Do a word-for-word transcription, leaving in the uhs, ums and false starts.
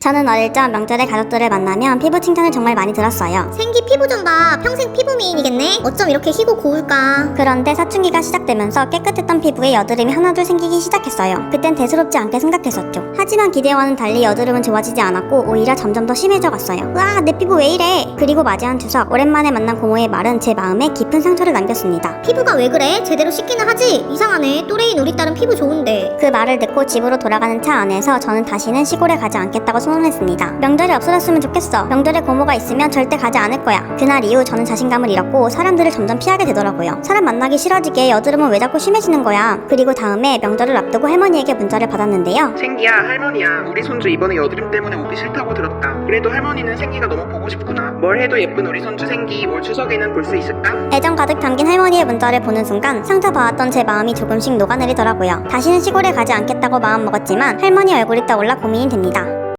저는 어릴 적 명절에 가족들을 만나면 피부 칭찬을 정말 많이 들었어요. 생기 피부 좀 봐. 평생 피부 미인이겠네? 어쩜 이렇게 희고 고울까? 그런데 사춘기가 시작되면서 깨끗했던 피부에 여드름이 하나둘 생기기 시작했어요. 그땐 대수롭지 않게 생각했었죠. 하지만 기대와는 달리 여드름은 좋아지지 않았고 오히려 점점 더 심해져 갔어요. 으아, 내 피부 왜 이래? 그리고 맞이한 추석, 오랜만에 만난 고모의 말은 제 마음에 깊은 상처를 남겼습니다. 피부가 왜 그래? 제대로 씻기는 하지? 이상하네. 또래인 우리 딸은 피부 좋은데. 그 말을 듣고 집으로 돌아가는 차 안에서 저는 다시는 시골에 가지 않겠다고 선언했습니다. 명절이 없어졌으면 좋겠어. 명절에 고모가 있으면 절대 가지 않을 거야. 그날 이후 저는 자신감을 잃었고 사람들을 점점 피하게 되더라고요. 사람 만나기 싫어지게 여드름은 왜 자꾸 심해지는 거야. 그리고 다음에 명절을 앞두고 할머니에게 문자를 받았는데요. 생기야, 할머니야, 우리 손주 이번에 여드름 때문에 오기 싫다고 들었다. 그래도 할머니는 생기가 너무 보고 싶구나. 뭘 해도 예쁜 우리 손주 생기 올 추석에는 볼 수 있을까? 애정 가득 담긴 할머니의 문자를 보는 순간 상처받았던 제 마음이 조금씩 녹아내리더라고요. 다시는 시골에 가지 않겠다고 마음먹었지만 할머니 얼굴이 떠올라 고민이 됩니다.